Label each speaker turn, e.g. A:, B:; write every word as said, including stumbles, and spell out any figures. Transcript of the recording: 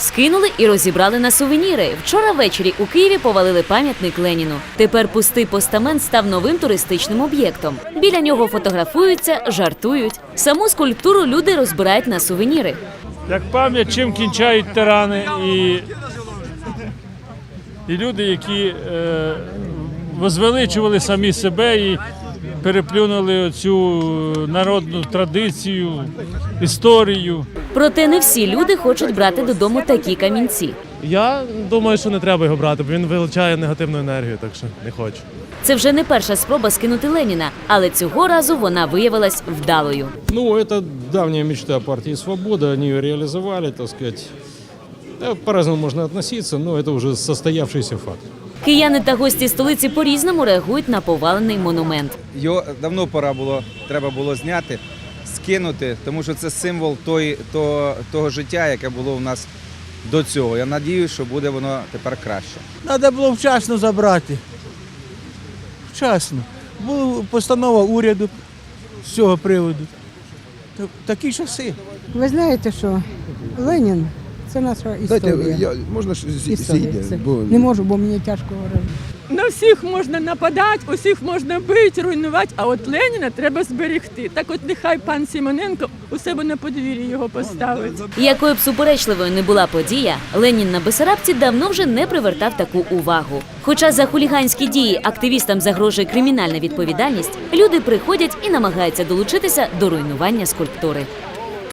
A: Скинули і розібрали на сувеніри. Вчора ввечері у Києві повалили пам'ятник Леніну. Тепер пустий постамент став новим туристичним об'єктом. Біля нього фотографуються, жартують. Саму скульптуру люди розбирають на сувеніри.
B: Як пам'ять, чим кінчають тирани і, і люди, які е, возвеличували самі себе і переплюнули цю народну традицію, історію.
A: Проте не всі люди хочуть брати додому такі камінці.
C: Я думаю, що не треба його брати, бо він вилучає негативну енергію, так що не хочу.
A: Це вже не перша спроба скинути Леніна, але цього разу вона виявилась вдалою.
D: Ну, это давняя мечта партии «Свобода», они ее реализовали, так сказать. Да, по-разному можно относиться, но это уже состоявшийся факт.
A: Кияни та гості столиці по-різному реагують на повалений монумент.
E: Його давно пора було, треба було зняти, скинути, тому що це символ той, того, того життя, яке було у нас до цього. Я сподіваюся, що буде воно тепер краще.
F: Треба було вчасно забрати. Вчасно. Була постанова уряду з цього приводу. Так- Такі часи.
G: Ви знаєте, що Ленін – це наша історія.
H: Знаєте, я, можна ж зі-
G: Історія.
H: зійде,
G: Це-
H: бо
G: Не можу, бо мені тяжко говорити.
I: На всіх можна нападати, усіх можна бити, руйнувати, а от Леніна треба зберегти. Так от нехай пан Симоненко у себе на подвір'ї його поставить.
A: Якою б суперечливою не була подія, Ленін на Бессарабці давно вже не привертав таку увагу. Хоча за хуліганські дії активістам загрожує кримінальна відповідальність, люди приходять і намагаються долучитися до руйнування скульптури.